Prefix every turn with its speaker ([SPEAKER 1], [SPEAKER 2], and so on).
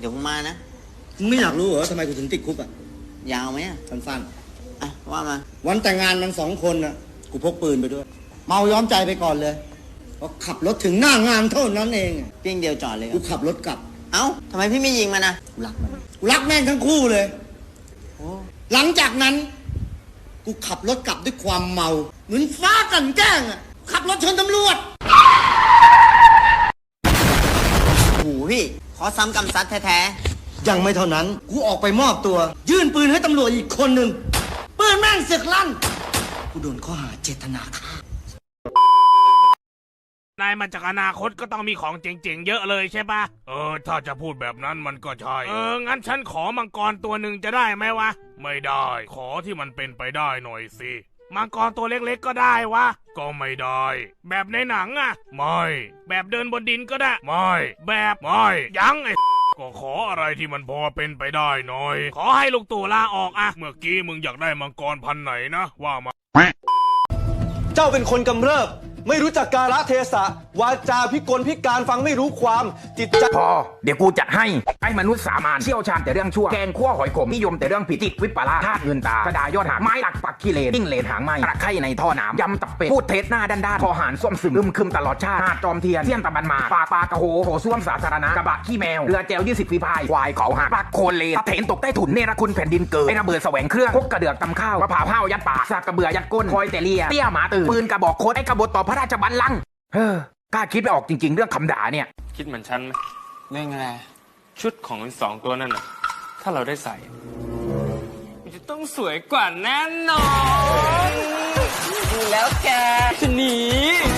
[SPEAKER 1] เดี๋ยวผมมานะ
[SPEAKER 2] มึงไม่อยากรู้เหรอทำไมกูถึงติดคุกอ่ะ
[SPEAKER 1] ยาวไหมอ่ะ
[SPEAKER 2] สั้น
[SPEAKER 1] อ่ะว่ามา
[SPEAKER 2] ๆวันแต่งงานมัน2 คนน่ะกูพกปืนไปด้วย เมาย้อมใจไปก่อนเลยพอขับรถถึงหน้างานเท่านั้นเองอะ
[SPEAKER 1] เพียงเดียวจอดเลยเหร
[SPEAKER 2] กู
[SPEAKER 1] อ
[SPEAKER 2] ขับรถกลับ
[SPEAKER 1] เอ้าทำไมพี่ไม่ยิงมันนะ
[SPEAKER 2] กูรักมันกูรักแม่งทั้งคู่เลย
[SPEAKER 1] โอ้
[SPEAKER 2] หลังจากนั้น กูขับรถกลับด้วยความเมา เหมือนฟ้ากลั่นแกล้งอ่ะขับรถชนตำรวจ
[SPEAKER 1] โหพี่ขอซ้ำกำซัดแท้
[SPEAKER 2] ยังไม่เท่านั้น กูออกไปมอบตัว ยื่นปืนให้ตำรวจอีกคนหนึ่งปืนแม่งเสึกลั่น กูโดนข้อหาเจตนาฆ่า
[SPEAKER 3] นายมาจากอนาคตก็ต้องมีของเจ๋งๆเยอะเลยใช่ปะถ้าจะพูดแบบนั้นมันก็ใช่งั้นฉันขอมังกรตัวหนึ่งจะได้ไหมวะไม่ได้ขอที่มันเป็นไปได้หน่อยสิมังกรตัวเล็กๆก็ได้วะก็ไม่ได้แบบในหนังอะไม่แบบเดินบนดินก็ได้ไม่แบบไม่ยังไอ้ก็ขออะไรที่มันพอเป็นไปได้หน่อยขอให้ลูกตู่ลาออกอะเมื่อกี้มึงอยากได้มังกรพันธุ์ไหนนะว่ามา
[SPEAKER 4] เจ้าเป็นคนกำเริบไม่รู้จักกาลเทศะวาจาพิกลพิการฟังไม่รู้ความจิตใจ
[SPEAKER 5] พอเดี๋ยวกูจัดให้ไอ้มนุษย์สามัญเชี่ยวชาญแต่เรื่องชั่วแกงขั้วหอยขมนิยมแต่เรื่องผิดจิตวิปลาสธาตุเงินตากระดายอดหักไม้หลักปักขี้เลนยิ่งเลนหางไม้ตะไคร่ในท่อน้ำยำตับเป็ดพูดเท็จหน้าด้านๆคอหารส้วมซึมคึมตลอดชาติหาดจอมเทียนเสี้ยนตะบันมาปากปลากระโหโถส้วมสาธารณะกระบะขี้แมวเรือแจว20 ฝีพายควายเขาหักปักโคนเลนตะเถนตกใต้ถุนเนรคุณแผ่นดินเกิดไอ้ระเบิดแสวงเครื่องพกกระเดือกตำข้าวมะพร้าวห้าวยัดปากสากกระเบือยัดก้นคอยแต่เลียเตี้ยหมาตื่นปืนกระบอกโคตรไอ้กบฏต่อพระราชบัลลังก์กล้าคิดไม่ออกจริงๆเรื่องคำด่าเนี่ย
[SPEAKER 6] คิดเหมือนฉันไหม
[SPEAKER 1] ๆเรื่องอะไร
[SPEAKER 6] ชุดของสองตัวนั่นน่ะ ถ้าเราได้ใส่ มันจะต้องสวยกว่าแน่นอน
[SPEAKER 1] แล้วแก
[SPEAKER 6] จะหนี